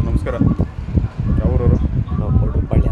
ನಮಸ್ಕಾರ. ಯಾವೂರವರು? ನಾವು ಕೊಡ್ರಪಾಳ್ಯ.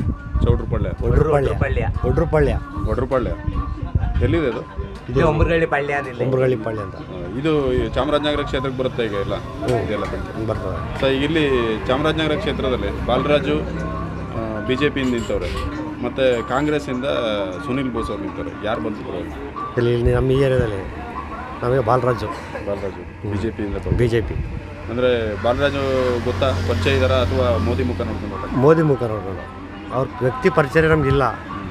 ಒಡ್ರಪಾಳ್ಯ ಎಲ್ಲಿದೆ ಅದು? ಇದು ಒಂಬರಗಳ್ಳಿ ಪಾಳ್ಯ ಅಂತ. ಇದು ಚಾಮರಾಜನಗರ ಕ್ಷೇತ್ರಕ್ಕೆ ಬರುತ್ತೆ ಈಗ ಎಲ್ಲ ಇದೆಲ್ಲ ಬರ್ತದೆ. ಸೊ ಈಗ ಇಲ್ಲಿ ಚಾಮರಾಜನಗರ ಕ್ಷೇತ್ರದಲ್ಲಿ ಬಾಲರಾಜು BJPಯಿಂದ ನಿಂತವ್ರೆ, ಮತ್ತು ಕಾಂಗ್ರೆಸ್ಸಿಂದ ಸುನಿಲ್ ಬೋಸ್ ಅವ್ರು ನಿಂತವ್ರೆ. ಯಾರು ಬಂತು ಇಲ್ಲಿ ನಮ್ಮ ಈ ಏರಿಯಾದಲ್ಲಿ ನಮಗೆ ಬಾಲರಾಜು BJPಯಿಂದ BJP. ಅಂದರೆ ಬಾಲರಾಜು ಗೊತ್ತಾ, ಪರಿಚಯ ಇದ್ದಾರಾ ಅಥವಾ ಮೋದಿ ಮುಖ ನೋಡ್ಕೊಂಡು? ಮೋದಿ ಮುಖ ನೋಡೋಣ. ಅವ್ರ ವ್ಯಕ್ತಿ ಪರಿಚಯ ನಮಗಿಲ್ಲ.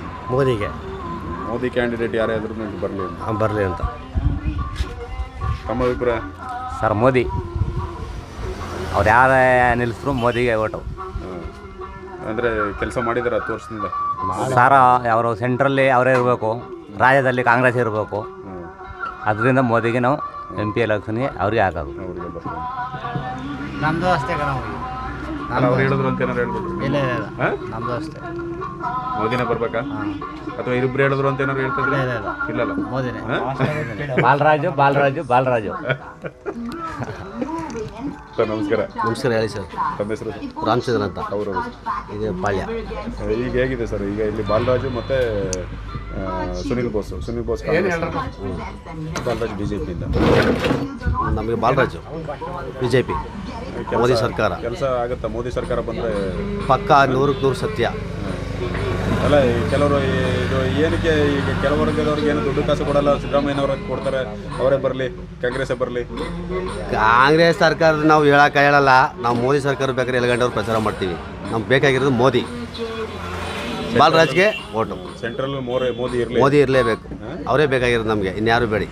ಮೋದಿ ಕ್ಯಾಂಡಿಡೇಟ್ ಯಾರೇ ಆದ್ರೂ ಬರಲಿ ಅಂತ ತಮ್ಮ ಅಭಿಪ್ರಾಯ? ಸರ್ ಮೋದಿ ಅವ್ರು ಯಾರೇ ನಿಲ್ಲಿಸಿದ್ರು ಮೋದಿಗೆ ಓಟು. ಅಂದರೆ ಕೆಲಸ ಮಾಡಿದ್ದಾರೆ 10 ವರ್ಷದಿಂದ ಸರ್. ಅವರು ಸೆಂಟ್ರಲ್ಲಿ ಅವರೇ ಇರಬೇಕು, ರಾಜ್ಯದಲ್ಲಿ ಕಾಂಗ್ರೆಸ್ ಇರಬೇಕು. ಅದರಿಂದ ಮೋದಿಗೆ ನಾವು MP ಎಲೆಕ್ಷನ್ಗೆ ಅವ್ರಿಗೆ ಹಾಕೋದು. ನಮ್ಮದು ಅಷ್ಟೇ ಅವ್ರು ಹೇಳಿದ್ರು ಅಂತ ಏನಾರು ಹೇಳ್ಬಿಟ್ರು? ನಮ್ಮದು ಅಷ್ಟೇ. ಮೋದಿನೇ ಬರ್ಬೇಕಾ ಅಥವಾ ಇಬ್ಬರು ಹೇಳಿದ್ರು ಅಂತ ಏನಾರು ಹೇಳ್ತಿದ್ರೆ? ಇಲ್ಲಲ್ಲ, ಮೋದಿನೇ. ಬಾಲರಾಜು ಸರ್ ನಮಸ್ಕಾರ. ಹೇಳಿ ಸರ್. ತಮ್ಮ ಹೆಸರು? ರಾಮಚಂದ್ರ ಅಂತ. ಅವರು ಇದು ಪಾಳ್ಯ. ಈಗ ಹೇಗಿದೆ ಸರ್? ಈಗ ಇಲ್ಲಿ ಬಾಲರಾಜು ಮತ್ತು ಸುನಿಲ್ ಬೋಸ್ ಬಾಲರಾಜು BJPಯಿಂದ. ನಮಗೆ ಬಾಲರಾಜು BJP. ಮೋದಿ ಸರ್ಕಾರ ಕೆಲಸ ಆಗುತ್ತಾ? ಮೋದಿ ಸರ್ಕಾರ ಬಂದರೆ ಪಕ್ಕ 100% ಸತ್ಯ. ಅಲ್ಲ, ಕೆಲವರು ಇದು ಏನಕ್ಕೆ ಈಗ ಕೆಲವರ್ಗದವ್ರಿಗೆ ಏನು ದುಡ್ಡು ಕಾಸು ಕೊಡಲ್ಲ, ಸಿದ್ದರಾಮಯ್ಯನವ್ರಿಗೆ ಕೊಡ್ತಾರೆ, ಅವರೇ ಬರಲಿ, ಕಾಂಗ್ರೆಸ್ಸೇ ಬರಲಿ. ಕಾಂಗ್ರೆಸ್ ಸರ್ಕಾರದ ನಾವು ಹೇಳಲ್ಲ. ನಾವು ಮೋದಿ ಸರ್ಕಾರ ಬೇಕಾದ್ರೆ 7 ಗಂಟೆವ್ರು ಪ್ರಚಾರ ಮಾಡ್ತೀವಿ. ನಮ್ಗೆ ಬೇಕಾಗಿರೋದು ಮೋದಿ. ಬಾಲರಾಜ್ಗೆ ಓಟು. ಸೆಂಟ್ರಲ್ ಮೋದಿ ಇರಲೇಬೇಕು. ಅವರೇ ಬೇಕಾಗಿರೋದು ನಮಗೆ, ಇನ್ಯಾರು ಬೇಡಿ.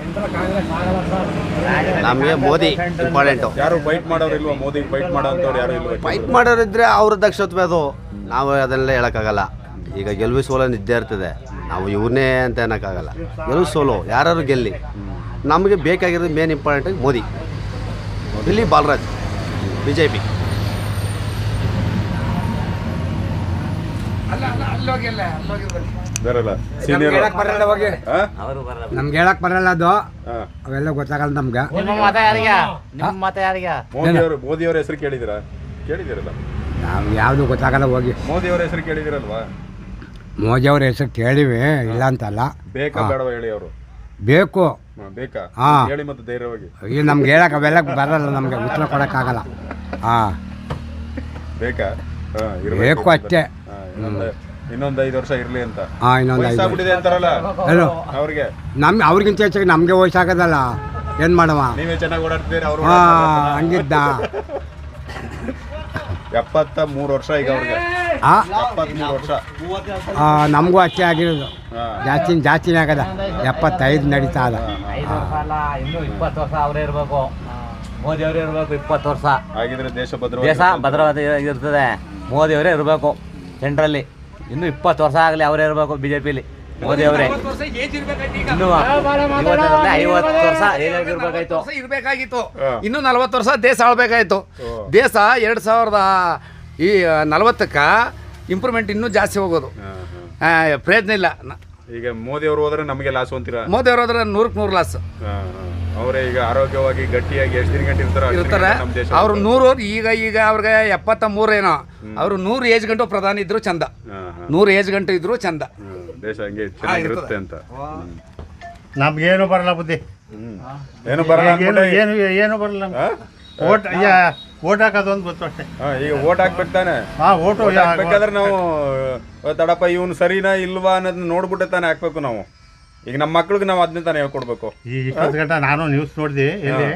ನಮಗೆ ಮೋದಿ ಇಂಪಾರ್ಟೆಂಟು. ಯಾರು ಫೈಟ್ ಮಾಡೋರು ಇಲ್ವಾ? ಮೋದಿ ಫೈಟ್ ಮಾಡೋಂಥವ್ರು ಯಾರು ಇಲ್ವಾ? ಫೈಟ್ ಮಾಡೋರಿದ್ರೆ ಅವ್ರ ದಕ್ಷತ್ವ ಅದು. ನಾವು ಅದನ್ನೆಲ್ಲ ಹೇಳೋಕ್ಕಾಗಲ್ಲ. ಈಗ ಗೆಲುವು ಸೋಲು ನಿದ್ದೆ ಇರ್ತದೆ. ನಾವು ಇವ್ರನ್ನೇ ಅಂತ ಅನ್ನೋಕ್ಕಾಗಲ್ಲ. ಗೆಲುವು ಸೋಲು ಯಾರು ಗೆಲ್ಲಿ, ನಮಗೆ ಬೇಕಾಗಿರೋದು ಮೇನ್ ಇಂಪಾರ್ಟೆಂಟ್ ಮೋದಿ. ಇಲ್ಲಿ ಬಾಲರಾಜ್ BJP. ನಮ್ಗೆ ಹೇಳಕ್ ಬರಲ್ಲ ಅದು. ಅವೆಲ್ಲ ಗೊತ್ತಾಗಲ್ಲ ನಮ್ಗೆ. ಮೋದಿ ಅವರ ಹೆಸರು ಕೇಳಿದಿರಲ್ಲ? ನಾವು ಯಾವುದು ಗೊತ್ತಾಗಲ್ಲ. ಹೋಗಿ ಮೋದಿ ಅವರ ಹೆಸರು ಕೇಳಿದಿರಲ್ವಾ? ಮೋದಿ ಅವ್ರ ಹೆಸರು ಕೇಳಿವಿ, ಇಲ್ಲ ಅಂತಲ್ಲ. ಬೇಕಾ ಬೇಡವಾ ಹೇಳಿ? ಅವರು ಬೇಕು. ಬೇಕಾ ಹೇಳಿ ಮತ್ತೆ ಧೈರ್ಯವಾಗಿ. ಈಗ ನಮ್ಗೆ ಹೇಳಕ್ ಅವೆಲ್ಲ ಬರಲ್ಲ, ನಮ್ಗೆ ಉತ್ತರ ಕೊಡಕ್ಕಾಗಲ್ಲ. ಬೇಕಾ? ಬೇಕು ಅಷ್ಟೇ. ಇನ್ನೊಂದು 5 ವರ್ಷ ಇರ್ಲಿ ಅಂತ. ಇನ್ನೊಂದು ಅಂತಾರಲ್ಲ ಅವ್ರಿಗೆ. ಅವ್ರಿಗಿಂತ ಹೆಚ್ಚಾಗಿ ನಮ್ಗೆ ವಯಸ್ಸಾಗೋದಲ್ಲ. ಏನ್ ಮಾಡವ? ನೀವೇ ಚೆನ್ನಾಗಿ ಓಡಾಡ್ತೀರಿ. ಅವರು ಹಂಗಿದ್ದ 73 ವರ್ಷ ಈಗ ಅವ್ರಿಗೆ. 73 ವರ್ಷ. ನಮಗೂ ಅಷ್ಟೇ ಆಗಿರೋದು. ಜಾಸ್ತಿನೇ ಆಗದ. 75 ನಡೀತಾ ಅದ. ಇನ್ನು 20 ವರ್ಷ ಅವರೇ ಇರಬೇಕು, ಮೋದಿ ಅವರೇ ಇರಬೇಕು. 20 ವರ್ಷ ಆಗಿದ್ರೆ ದೇಶ ಭದ್ರವಾದ ಇರ್ತದೆ. ಮೋದಿ ಅವರೇ ಇರಬೇಕು ಸೆಂಟ್ರಲ್ಲಿ. ಇನ್ನು 20 ವರ್ಷ ಆಗಲಿ ಅವರೇ ಇರಬೇಕು BJPಲಿ. ಮೋದಿ ಅವರೇ ಇನ್ನು 50 ವರ್ಷ ಇರಬೇಕಾಗಿತ್ತು. ಇನ್ನು 40 ವರ್ಷ ದೇಶ ಆಳ್ಬೇಕಾಯ್ತು. ದೇಶ 2040ಕ್ಕೆ ಇಂಪ್ರೂವ್ಮೆಂಟ್ ಇನ್ನೂ ಜಾಸ್ತಿ ಹೋಗೋದು. ಪ್ರಯತ್ನ ಇಲ್ಲ. ಈಗ ಮೋದಿ ಅವರು ಹೋದ್ರೆ ನಮಗೆ ಲಾಸ್ ಅಂತೀರಾ? ಮೋದಿ ಅವರು ಹೋದ್ರೆ 100ಕ್ಕೆ 100 ಲಾಸ್. ಅವರೇ ಈಗ ಆರೋಗ್ಯವಾಗಿ ಗಟ್ಟಿಯಾಗಿ ಎಷ್ಟು ದಿನ ಗಂಟೆ ಇರ್ತಾರೆ. ಅವ್ರು 100 ಈಗ ಅವ್ರಿಗೆ 73 ಏನೋ. ಅವರು 100 ಏಜ್ ಗಂಟು ಪ್ರಧಾನಿ ಇದ್ರು ಚಂದ. 100 ಏಜ್ ಗಂಟು ಇದ್ರು ಚಂದ. ದೇಶ ಹಂಗೆ ಚೆನ್ನಾಗಿರುತ್ತೆ ಅಂತ. ನಮ್ಗೇನು ಬರಲ್ಲ ಬುದ್ಧಿ. ಏನು ಬರಲ್ಲ, ಏನು ಬರಲ್ಲ. ಓಟ್ ಹಾಕೋದು ಒಂದು ಗೊತ್ತು ಅಷ್ಟೇ. ಈಗ ಓಟ್ ಹಾಕ್ಬೇಕು ತಾನೆ. ಓಟು ಹಾಕ್ಬೇಕಾದ್ರೆ ನಾವು ತಡಪ್ಪ ಇವನು ಸರಿನಾ ಇಲ್ವಾ ಅನ್ನೋದನ್ನ ನೋಡ್ಬಿಟ್ಟೆ ತಾನೆ ಹಾಕ್ಬೇಕು ನಾವು. ಈಗ ನಮ್ಮ ಮಕ್ಳಿಗೆ ನಾವು ಅದನ್ನೇ ತಾನೇ ಹೇಳ್ಕೊಡ್ಬೇಕು. ಈ 20 ಗಂಟೆ ನಾನು ನ್ಯೂಸ್ ನೋಡಿದೆ. ಎಲ್ಲಿ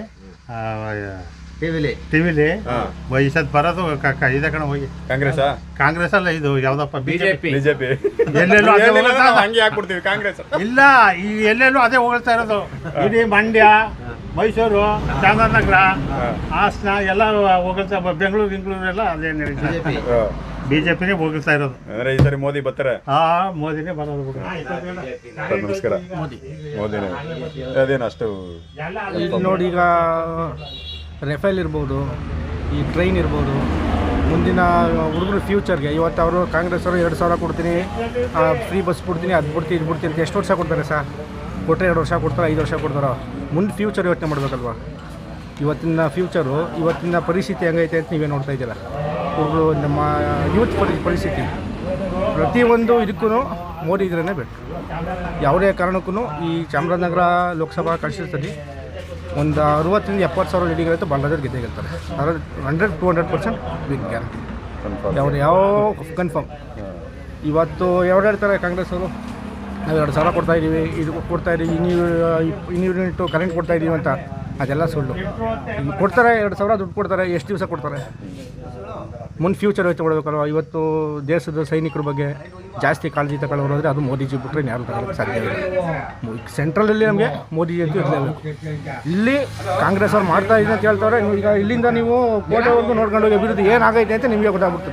ಟಿವಿಲಿ ವಯಸ್ಸದ್ ಬರೋದು ಇದೆ ಕಣ. ಹೋಗಿ ಕಾಂಗ್ರೆಸ್ ಅಲ್ಲ, ಇದು ಯಾವ್ದಪ್ಪ BJP. ಎಲ್ಲೆಲ್ಲೂ ಹಂಗೆ ಹಾಕ್ಬಿಡ್ತೀವಿ ಕಾಂಗ್ರೆಸ್. ಇಲ್ಲ, ಈ ಎಲ್ಲೆಲ್ಲೂ ಅದೇ ಹೋಗ್ತಾ ಇರೋದು. ಇಡೀ ಮಂಡ್ಯ, ಮೈಸೂರು, ಚಾಮರಾಜನಗರ, ಹಾಸನ ಎಲ್ಲ ಹೋಗ್ತಾ. ಬೆಂಗಳೂರು ಎಲ್ಲ ಅದೇ BJPನೇ ಹೋಗ್ತಾ ಇರೋದು. ಅಂದ್ರೆ ಈ ಸರಿ ಮೋದಿ ಬರ್ತಾರೆ. ಮೋದಿನೇ ಬರೋದು. ನಮಸ್ಕಾರ. ಮೋದಿನೇ ಅದೇನು ಅಷ್ಟು ನೋಡಿ. ಈಗ ರೆಫೇಲ್ ಇರ್ಬೋದು, ಈ ಟ್ರೈನ್ ಇರ್ಬೋದು, ಮುಂದಿನ ಹುಡುಗರು ಫ್ಯೂಚರ್ಗೆ. ಇವತ್ತು ಅವರು ಕಾಂಗ್ರೆಸ್ ಅವರು 2,000 ಕೊಡ್ತೀನಿ, ಫ್ರೀ ಬಸ್ ಬಿಡ್ತೀನಿ, ಅದು ಬಿಡ್ತೀನಿ, ಇದು ಬಿಡ್ತೀನಿ ಅಂತ ಎಷ್ಟು ವರ್ಷ ಕೊಡ್ತಾರೆ ಸರ್? ಕೊಟ್ಟರೆ 2 ವರ್ಷ ಕೊಡ್ತಾರೆ, 5 ವರ್ಷ ಕೊಡ್ತಾರೋ? ಮುಂದೆ ಫ್ಯೂಚರ್ ಯೋಚನೆ ಮಾಡಬೇಕಲ್ವಾ? ಇವತ್ತಿನ ಫ್ಯೂಚರು, ಇವತ್ತಿನ ಪರಿಸ್ಥಿತಿ ಹೆಂಗೈತೆ ಅಂತ ನೀವೇ ನೋಡ್ತಾ ಇದ್ದೀರ. ಹುಡುಗರು ನಮ್ಮ ಯೂತ್ ಪರಿಸ್ಥಿತಿ ಪ್ರತಿಯೊಂದು ಇದಕ್ಕೂ ಮೋದಿ ಇದ್ರೇ ಬೇಕು. ಯಾವುದೇ ಕಾರಣಕ್ಕೂ ಈ ಚಾಮರಾಜನಗರ ಲೋಕಸಭಾ ಕಾನ್ಸ್ಟಿಟ್ಯೂನ್ಸಿಯಲ್ಲಿ ಒಂದು 60,000-70,000 ಲೀಡಿಗಳಂತೂ ಬಾಲರಾಜರು ಗೆದ್ದೇ ಗೆಲ್ತಾರೆ. 100-200% ಬಿಗ್ ಗ್ಯಾರಂಟಿ. ಯಾವ ಕನ್ಫರ್ಮ್. ಇವತ್ತು ಯಾರು ಹೇಳ್ತಾರೆ ಕಾಂಗ್ರೆಸ್ ಅವರು, ನಾವು 2,000 ಕೊಡ್ತಾಯಿದ್ದೀವಿ, ಇದು ಕೊಡ್ತಾಯಿದ್ದೀವಿ, ಯೂನಿಟ್ ಕರೆಂಟ್ ಕೊಡ್ತಾಯಿದ್ದೀವಿ ಅಂತ. ಅದೆಲ್ಲ ಸುಳ್ಳು. ಕೊಡ್ತಾರೆ 2,000 ದುಡ್ಡು ಕೊಡ್ತಾರೆ, ಎಷ್ಟು ದಿವಸ ಕೊಡ್ತಾರೆ? ಮುಂದೆ ಫ್ಯೂಚರ್ ಯೋಚನೆ ಮಾಡಬೇಕಲ್ವ. ಇವತ್ತು ದೇಶದ ಸೈನಿಕರ ಬಗ್ಗೆ ಜಾಸ್ತಿ ಕಾಳಜಿ ತಗೊಳ್ಳೋರು ಅಂದರೆ ಅದು ಮೋದಿಜಿ ಬಿಟ್ಟರೆ ಯಾರು ತಗೊಳ್ಳೋಕ್ಕೆ ಸಾಧ್ಯ ಇಲ್ಲ. ಸೆಂಟ್ರಲಲ್ಲಿ ನಮಗೆ ಮೋದಿಜಿ ಅಂತೂ ಇರಲೇಬೇಕು. ಇಲ್ಲಿ ಕಾಂಗ್ರೆಸ್ ಅವ್ರು ಮಾಡ್ತಾ ಇದ್ದೀನಿ ಅಂತ ಹೇಳ್ತಾರೆ. ಈಗ ಇಲ್ಲಿಂದ ನೀವು ಕೋಟೆವರೆಗೂ ನೋಡ್ಕೊಂಡು ಹೋಗಿ ಅಭಿವೃದ್ಧಿ ಏನಾಗೈತೆ ಅಂತ ನಿಮಗೆ ಗೊತ್ತಾಗ್ಬಿಡ್ತದೆ.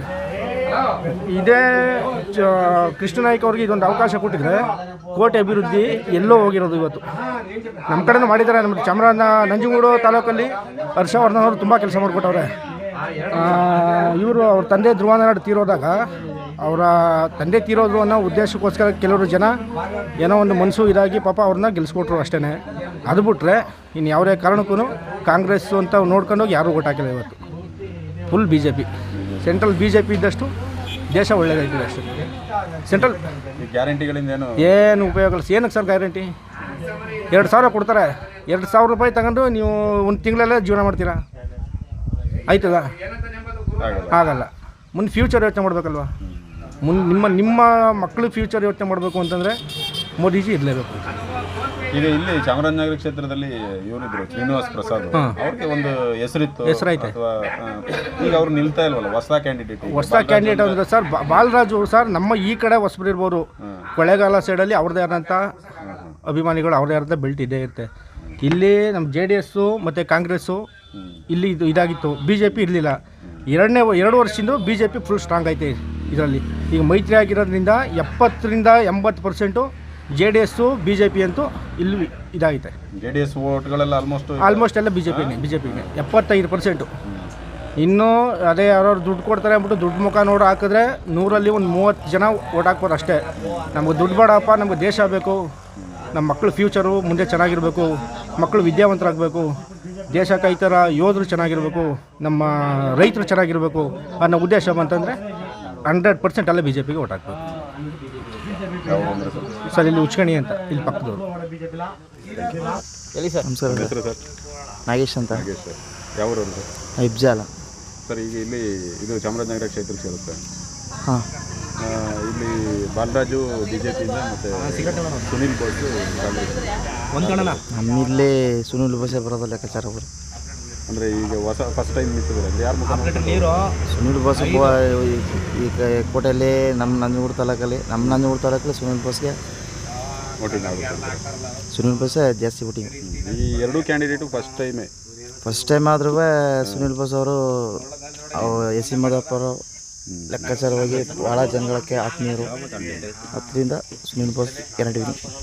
ಇದೇ ಕೃಷ್ಣನಾಯ್ಕ ಅವ್ರಿಗೆ ಇದೊಂದು ಅವಕಾಶ ಕೊಟ್ಟಿದ್ರೆ ಕೋಟೆ ಅಭಿವೃದ್ಧಿ ಎಲ್ಲೋ ಹೋಗಿರೋದು. ಇವತ್ತು ನಮ್ಮ ಕಡೆನೂ ಮಾಡಿದ್ದಾರೆ. ನಮ್ಮ ನಂಜನಗೂಡು ತಾಲೂಕಲ್ಲಿ ಹರ್ಷವರ್ಧನ್ ಅವರು ತುಂಬ ಕೆಲಸ ಮಾಡಿಕೊಟ್ಟವ್ರೆ. ಇವರು ಅವ್ರ ತಂದೆ ಧ್ರುವನಾರಾಯಣ ತೀರೋದಾಗ ಅವರ ತಂದೆ ತೀರೋದ್ರು ಅನ್ನೋ ಉದ್ದೇಶಕ್ಕೋಸ್ಕರ ಕೆಲವರು ಜನ ಏನೋ ಒಂದು ಮನಸ್ಸು ಇದಾಗಿ ಪಾಪ ಅವ್ರನ್ನ ಗೆಲ್ಲಿಸ್ಕೊಟ್ರು ಅಷ್ಟೇ. ಅದು ಬಿಟ್ಟರೆ ಇನ್ನು ಯಾವುದೇ ಕಾರಣಕ್ಕೂ ಕಾಂಗ್ರೆಸ್ಸು ಅಂತ ನೋಡ್ಕೊಂಡೋಗಿ ಯಾರೂ ಓಟ್ ಹಾಕಿಲ್ಲ. ಇವತ್ತು ಫುಲ್ BJP. ಸೆಂಟ್ರಲ್ BJP ಇದ್ದಷ್ಟು ದೇಶ ಒಳ್ಳೆಯದಾಯ್ತದೆ ಅಷ್ಟೇ. ಸೆಂಟ್ರಲ್ ಗ್ಯಾರಂಟಿಗಳಿಂದ ಏನು ಉಪಯೋಗ ಇಲ್ಲ. ಏನಕ್ಕೆ ಸರ್ ಗ್ಯಾರಂಟಿ? 2,000 ಕೊಡ್ತಾರೆ. 2,000 ರೂಪಾಯಿ ತಗೊಂಡು ನೀವು ಒಂದು ತಿಂಗಳಲ್ಲೇ ಜೀವನ ಮಾಡ್ತೀರಾ? ಆಯ್ತದ? ಆಗಲ್ಲ. ಮುಂದೆ ಫ್ಯೂಚರ್ ಯೋಚನೆ ಮಾಡಬೇಕಲ್ವ. ಮುಂದೆ ನಿಮ್ಮ ಮಕ್ಕಳು ಫ್ಯೂಚರ್ ಯೋಚನೆ ಮಾಡಬೇಕು ಅಂತಂದರೆ ಮೋದಿಜಿ ಇರಲೇಬೇಕು. ಈಗ ಇಲ್ಲಿ ಚಾಮರಾಜನಗರ ಕ್ಷೇತ್ರದಲ್ಲಿ ಇವರಿದ್ರು ಶ್ರೀನಿವಾಸ್ ಪ್ರಸಾದ್, ಅವ್ರಿಗೆ ಒಂದು ಹೆಸರೈತೆ. ಈಗ ಅವ್ರು ನಿಲ್ತಾ ಇಲ್ವಲ್ಲ, ಹೊಸ ಕ್ಯಾಂಡಿಡೇಟ್ ಅಂದ್ರೆ ಸರ್ ಬಾಲರಾಜು ಸರ್ ನಮ್ಮ ಈ ಕಡೆ ಹೊಸಬ್ರು ಇರ್ಬೋದು. ಕೊಳ್ಳೇಗಾಲ ಸೈಡಲ್ಲಿ ಅವ್ರದ್ದೇ ಆದಂಥ ಅಭಿಮಾನಿಗಳು, ಅವ್ರದ್ದೇ ಆದಂಥ ಬೆಲ್ಟ್ ಇದ್ದೇ ಇರುತ್ತೆ. ಇಲ್ಲಿ ನಮ್ಮ JDS ಮತ್ತು ಕಾಂಗ್ರೆಸ್ಸು ಇಲ್ಲಿ ಇದಾಗಿತ್ತು. BJP ಇರಲಿಲ್ಲ. 2 ವರ್ಷದಿಂದ BJP ಫುಲ್ ಸ್ಟ್ರಾಂಗ್ ಐತೆ ಇದರಲ್ಲಿ. ಈಗ ಮೈತ್ರಿ ಆಗಿರೋದ್ರಿಂದ 70-80% JDS BJP ಅಂತೂ ಇಲ್ಲಿ ಇದಾಗಿದೆ. JDS ವೋಟ್ಗಳೆಲ್ಲ ಆಲ್ಮೋಸ್ಟ್ ಎಲ್ಲ BJPಗೆ 75%. ಇನ್ನೂ ಅದೇ ಯಾರು ದುಡ್ಡು ಕೊಡ್ತಾರೆ ಅಂದ್ಬಿಟ್ಟು ದುಡ್ಡು ಮುಖ ನೋಡಿ ಹಾಕಿದ್ರೆ 100ರಲ್ಲಿ ಒಂದು 30 ಜನ ಓಟ್ ಹಾಕ್ಬೋದು ಅಷ್ಟೇ. ನಮಗೆ ದುಡ್ಡು ಬೇಡಪ್ಪ, ನಮಗೆ ದೇಶ ಬೇಕು, ನಮ್ಮ ಮಕ್ಕಳು ಫ್ಯೂಚರು ಮುಂದೆ ಚೆನ್ನಾಗಿರಬೇಕು, ಮಕ್ಕಳು ವಿದ್ಯಾವಂತರಾಗಬೇಕು, ದೇಶಕ್ಕೆ ಈ ಥರ ಯೋಧರು ಚೆನ್ನಾಗಿರಬೇಕು, ನಮ್ಮ ರೈತರು ಚೆನ್ನಾಗಿರಬೇಕು ಅನ್ನೋ ಉದ್ದೇಶ ಬಂತಂದರೆ 100% ಅಲ್ಲೇ BJPಗೆ ಓಟ್ ಹಾಕ್ಬೇಕು. ಸರ್ ಇಲ್ಲಿ ಉಚ್ಕಣಿ ಅಂತ ಇಲ್ಲಿ ಪಕ್ಕದವರು. ಹೇಳಿ ಸರ್. ಹೆಸರು ಸರ್? ನಾಗೇಶ್ ಅಂತ. ಯಾವ ಇಬ್ಜಾಲ ಸರ್. ಈಗ ಇಲ್ಲಿ ಇದು ಚಾಮರಾಜನಗರ ಕ್ಷೇತ್ರಕ್ಕೆ ಸೇರುತ್ತೆ. ಹಾಂ. ಇಲ್ಲಿ ಬಾಲರಾಜು BJPಯಿಂದ ಮತ್ತು ಸುನೀಲ್ ಬೋಸ್ ಕಾಂಗ್ರೆಸ್. ನಮ್ಮಿಲ್ಲೇ ಸುನೀಲ್ ಬೋಸೆ ಬರೋದು ಲೆಕ್ಕಾಚಾರ ಅವರು. ಅಂದರೆ ಈಗ ಫಸ್ಟ್ ಟೈಮ್ ನಿಂತಿದ್ದಾರೆ ಅಂದರೆ ಯಾರು ಮುಖ? ಸುನೀಲ್ ಬೋಸ್ ಈಗ ಕೋಟೆಯಲ್ಲಿ ನಮ್ಮ ನಂಜನಗೂಡು ತಾಲೂಕಲ್ಲಿ ಸುನೀಲ್ ಬೋಸ್ಗೆ ವೋಟಿಂಗ್ ಆಗುತ್ತೆ. ಸುನೀಲ್ ಬೋಸೆ ಜಾಸ್ತಿ ವೋಟಿಂಗ್. ಈ ಎರಡೂ ಕ್ಯಾಂಡಿಡೇಟು ಫಸ್ಟ್ ಟೈಮ್ ಆದ್ರೂ ಸುನೀಲ್ ಬೋಸ್ ಅವರು ಎಸ್ ಸಿ ಮದಪ್ಪ ಅವರು ಲೆಕ್ಕಾಚಾರವಾಗಿ ಭಾಳ ಜನಗಳಿಗೆ ಆತ್ಮೀಯರು. ಅದರಿಂದ ಸುನೀಲ್ ಬೋಸ್ ಗ್ಯಾರಂಟಿ.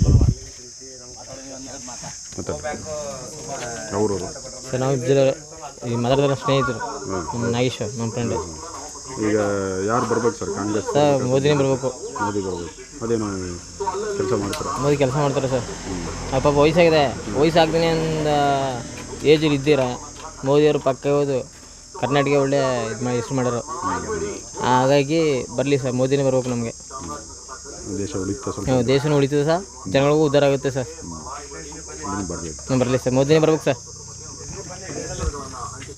ಅವರು ಸರ್ ನಾವು ಈ ಮಾತಾಡಿದ್ರೆ ಸ್ನೇಹಿತರು, ನಮ್ಮ ನಾಗೇಶ್ವರ್ ನಮ್ಮ ಫ್ರೆಂಡ್. ಈಗ ಯಾರು ಬರ್ಬೇಕು ಸರ್ ಕಾಂಗ್ರೆಸ್? ಸರ್ ಮೋದಿನೇ ಬರಬೇಕು. ಮೋದಿ ಬರ್ಬೇಕು. ಅದೇನು ಕೆಲಸ ಮಾಡ್ತಾರೆ? ಮೋದಿ ಕೆಲಸ ಮಾಡ್ತಾರೆ ಸರ್. ಪಾಪ ವಯಸ್ಸಾಗಿದೆ, ವಯಸ್ಸಾಗ್ದೇ ಒಂದು ಏಜಲ್ಲಿ ಇದ್ದೀರಾ. ಮೋದಿಯವರು ಪಕ್ಕ ಹೋದು ಕರ್ನಾಟಕ ಒಳ್ಳೆ ಇದು ಮಾಡಿ ಹೆಸರು ಮಾಡ್ಯಾರ. ಹಾಗಾಗಿ ಬರಲಿ ಸರ್, ಮೋದಿನೇ ಬರ್ಬೇಕು ನಮಗೆ. ದೇಶ ಉಳಿತದೆ, ದೇಶನೂ ಉಳಿತದೆ ಸರ್, ಜನಗಳಿಗೂ ಉದ್ಧಾರ ಆಗುತ್ತೆ ಸರ್. ಬರಲಿ ಸರ್, ಮೋದಿನೇ ಬರ್ಬೇಕು ಸರ್.